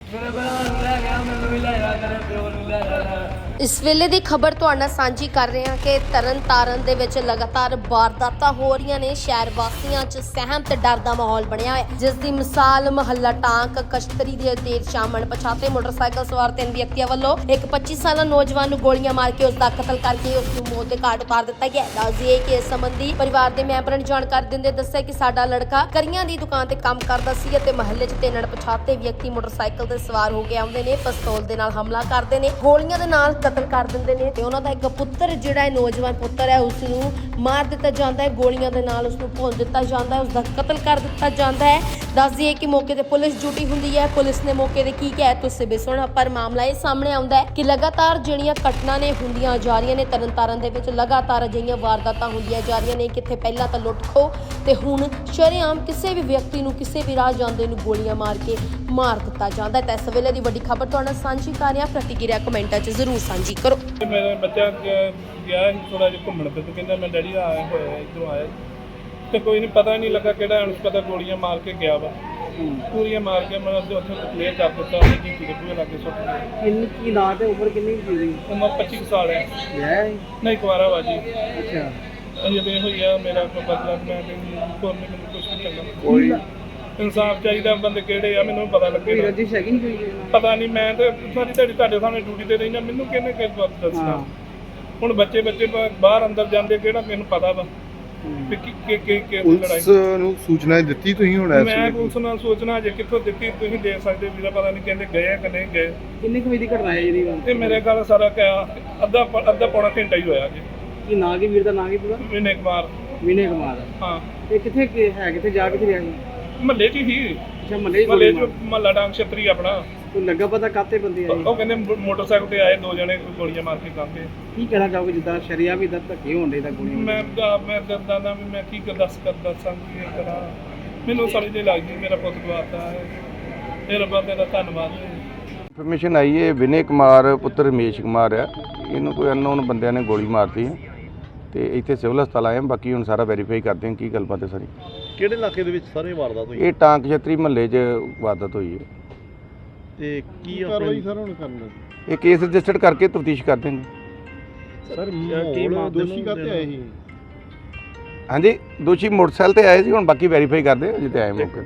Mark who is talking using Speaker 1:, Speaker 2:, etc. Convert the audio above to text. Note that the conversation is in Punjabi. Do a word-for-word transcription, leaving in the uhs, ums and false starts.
Speaker 1: इस वेले की खबर तुहाडे नाल सांझी कर रहे हैं कि तरन तारण दे विच लगातार वारदातां हो रही ने। शहर वासियों च सहम ते डर दा माहौल बनया है, जिस दी मिसाल महल्ला टांक कश्तरी दे देर शाम अणपछाते मोटरसाइकिल सवार तीन व्यक्तियों वालों एक पच्चीस साला नौजवान नूं गोलियां मार के उसका कतल करके उसनूं मौत दे घाट उतार दिता गया। दस दिए कि इस संबंधी परिवार के मैंबरां ने जानकारी दिंदे दस्सिया कि साडा लड़का करियां दी दुकान ते काम करदा सी ते महल्ले च तीन अणपछाते व्यक्ति मोटरसाइकिल ते सवार हो के आउंदे ने, पिस्तौल दे नाल हमला करदे ने, गोलियां दे नाल कतल कर दिंदे ने ते उन्हां दा एक पुੱਤਰ ਜਿਹੜਾ ਹੈ ਨੌਜਵਾਨ ਪੁੱਤਰ ਹੈ ਉਸ ਨੂੰ ਮਾਰ ਦਿੱਤਾ ਜਾਂਦਾ ਹੈ, ਗੋਲੀਆਂ ਦੇ ਨਾਲ ਉਸ ਨੂੰ ਭੁੰਨ ਦਿੱਤਾ ਜਾਂਦਾ ਹੈ, ਉਸ ਦਾ ਕਤਲ ਕਰ ਦਿੱਤਾ ਜਾਂਦਾ ਹੈ। ਦੱਸ ਦਈਏ ਕਿ ਮੌਕੇ ਤੇ ਪੁਲਿਸ ਡਿਊਟੀ ਹੁੰਦੀ ਹੈ। ਪੁਲਿਸ ਨੇ ਮੌਕੇ ਤੇ ਕੀ ਕਿਹਾ ਤੁਸੀਂ ਵੀ ਸੁਣੋ, ਪਰ ਮਾਮਲਾ ਇਹ ਸਾਹਮਣੇ ਆਉਂਦਾ ਹੈ ਕਿ ਲਗਾਤਾਰ ਜਿਹੜੀਆਂ ਘਟਨਾ ਨੇ ਹੁੰਦੀਆਂ ਜਾ ਰਹੀਆਂ ਨੇ ਤਰਨਤਾਰਨ ਦੇ ਵਿੱਚ, ਲਗਾਤਾਰ ਅਜਿਹੀਆਂ ਵਾਰਦਾਤਾਂ ਹੁੰਦੀਆਂ ਜਾ ਰਹੀਆਂ ਨੇ। ਕਿੱਥੇ ਪਹਿਲਾਂ ਤਾਂ ਲੁੱਟ ਖੋ ਤੇ ਹੁਣ ਸ਼ਰੇਆਮ ਕਿਸੇ ਵੀ ਵਿਅਕਤੀ ਨੂੰ ਕਿਸੇ ਵੀ ਰਾਹ ਜਾਂਦੇ ਨੂੰ ਗੋਲੀਆਂ ਮਾਰ ਕੇ ਮਾਰ ਦਿੱਤਾ ਜਾਂਦਾ ਹੈ। ਤਾਂ ਇਸ ਵੇਲੇ ਦੀ ਵੱਡੀ ਖਬਰ ਤੁਹਾਡੇ ਨਾਲ ਸਾਂਝੀ ਕਰ ਰਿਹਾ, ਪ੍ਰਤੀਕਿਰਿਆ ਕਮੈਂਟਾਂ 'ਚ ਜ਼ਰੂਰ ਸਾਂਝੀ ਕਰੋ।
Speaker 2: मेरा बच्चा गया थोड़ा जिहा घूमण फिर तो कहंदा मैं डैडी आया होया इधरों आया तो कोई नहीं पता नहीं लगा किहड़ा उस पता गोलियां मार के गया वा पूरियां मार के मैं उत्थे क्लियर कर दिता उन्हें की की पूरे लागे सुट गया।
Speaker 3: किन्नी की ना ते उम्र किन्नी की थी?
Speaker 2: उम्र पच्चीस साल है।
Speaker 3: है
Speaker 2: नहीं कुआरा वा जी।
Speaker 3: अच्छा
Speaker 2: अजे तो हुई है मेरा कोई बदला मैं कोई नहीं कुछ नहीं चंगा
Speaker 3: कोई
Speaker 2: इंसाफ चाहिए बंदे किहड़े आ मैनूं पता लगे।
Speaker 3: कोई रजिश है कि नहीं कोई?
Speaker 2: पता नहीं मैं तो सारी दिहाड़ी तुहाडे सामने ड्यूटी ते रही ना मैनूं किहने किस बात दसना। ਹੁਣ ਬੱਚੇ ਬੱਚੇ ਬਾਹਰ ਅੰਦਰ ਜਾਂਦੇ ਕਿਹੜਾ ਮੈਨੂੰ ਪਤਾ ਵਾ ਕਿ ਕਿ ਕਿ ਕਿ
Speaker 4: ਪੁਲਿਸ ਨੂੰ ਸੂਚਨਾ ਦਿੱਤੀ ਤੁਸੀਂ ਹੁਣ ਇਸ
Speaker 2: ਮੈਂ
Speaker 4: ਵੇਲੇ?
Speaker 2: ਪੁਲਿਸ ਨੂੰ ਸੂਚਨਾ ਜੇ ਕਿੱਥੋਂ ਦਿੱਤੀ ਤੁਸੀਂ ਦੇ ਸਕਦੇ ਵੀਰਾ, ਪਤਾ ਨਹੀਂ ਕਹਿੰਦੇ ਗਏ ਕਿ ਨਹੀਂ ਗਏ।
Speaker 3: ਕਿੰਨੇ ਕੁ ਵਜੇ ਦੀ ਘਟਨਾ ਹੈ ਜਿਹੜੀ?
Speaker 2: ਤੇ ਮੇਰੇ ਘਰ ਸਾਰਾ ਕਿਆ ਅੱਧਾ ਅੱਧਾ ਪੌਣਾ ਘੰਟਾ ਹੀ ਹੋਇਆ ਜੀ।
Speaker 3: ਕੀ ਨਾਂ ਕੀ ਵੀਰ ਦਾ ਨਾਂ ਕੀ ਪੂਰਾ?
Speaker 2: ਵਿਨੇ ਕੁਮਾਰ।
Speaker 3: ਵਿਨੇ ਕੁਮਾਰ।
Speaker 2: ਹਾਂ
Speaker 3: ਇਹ ਕਿੱਥੇ ਕਿ ਹੈ, ਕਿੱਥੇ ਜਾ ਕਿੱਥੇ ਰਿਹਾ?
Speaker 2: ਮਹੱਲੇ 'ਚ ਹੀ।
Speaker 3: ਅੱਛਾ ਮਹੱਲੇ
Speaker 2: ਮਹੱਲੇ 'ਚ ਮਹੱਲਾ ਡਾਂਗ ਛਤਰੀ ਆਪਣਾ।
Speaker 3: ਕੋਈ ਲੱਗਾ ਪਤਾ ਕਾਤੇ ਬੰਦੇ ਆਏ?
Speaker 2: ਉਹ ਕਹਿੰਦੇ ਮੋਟਰਸਾਈਕਲ ਤੇ ਆਏ ਦੋ ਜਣੇ ਗੋਲੀਆਂ ਮਾਰ ਕੇ ਕਾਂਗੇ।
Speaker 3: ਕੀ ਕਹਿਣਾ ਚਾਹੋਗੇ ਜਿੱਦਾਂ ਸ਼ਰੀਆ ਵੀ ਦਰ ਧੱਕੇ ਹੋਣ ਦੇ ਤਾਂ ਗੋਲੀਆਂ?
Speaker 2: ਮੈਂ ਮੈਂ ਦਰਦਾਂ ਦਾ ਵੀ ਮੈਂ ਕੀ ਦੱਸ ਕਰ ਦੱਸਾਂ ਕੀ ਕਰਾਂ, ਮੈਨੂੰ ਸਮਝ ਨਹੀਂ ਲੱਗਦੀ। ਮੇਰਾ ਪੁੱਤ ਗਵਾਤਾ ਹੈ, ਇਹ ਰੱਬਾ ਤੇਰਾ ਧੰਨਵਾਦ।
Speaker 4: ਇਨਫੋਰਮੇਸ਼ਨ ਆਈ ਹੈ ਵਿਨੇ ਕੁਮਾਰ ਪੁੱਤਰ ਰਮੇਸ਼ ਕੁਮਾਰ ਆ, ਇਹਨੂੰ ਕੋਈ ਅਨਨੋਨ ਬੰਦਿਆਂ ਨੇ ਗੋਲੀ ਮਾਰਤੀ ਹੈ ਤੇ ਇੱਥੇ ਸਿਵਲ ਹਸਪਤਾਲ ਆਏ ਹਾਂ। ਬਾਕੀ ਹੁਣ ਸਾਰਾ ਵੈਰੀਫਾਈ ਕਰਦੇ ਹਾਂ ਕੀ ਗੱਲਬਾਤ ਹੈ ਸਾਰੀ।
Speaker 5: ਕਿਹੜੇ ਇਲਾਕੇ ਦੇ ਵਿੱਚ ਸਾਰੇ ਵਾਰਦਾਤ ਹੋਈ
Speaker 4: ਇਹ ਟਾਂਕ ਛਤਰੀ ਮਹੱਲੇ 'ਚ ਵਾਰਦਾਤ ਹੋਈ ਹੈ
Speaker 5: ਤੇ ਕੀ ਕਾਰਵਾਈ ਸਰ ਹੁਣ ਕਰਨਾ?
Speaker 4: ਇਹ ਕੇਸ ਰਜਿਸਟਰਡ ਕਰਕੇ ਤਫਤੀਸ਼ ਕਰਦੇ ਨੇ।
Speaker 5: ਸਰ ਕੀ ਦੋਸ਼ੀ ਕਾਤੇ ਆਏ ਸੀ?
Speaker 4: ਹਾਂਜੀ ਦੋਸ਼ੀ ਮੋਟਰਸਾਈਕਲ ਤੇ ਆਏ ਸੀ, ਹੁਣ ਬਾਕੀ ਵੈਰੀਫਾਈ ਕਰਦੇ ਹਾਂ ਜਿੱਤੇ ਆਏ ਮੌਕੇ।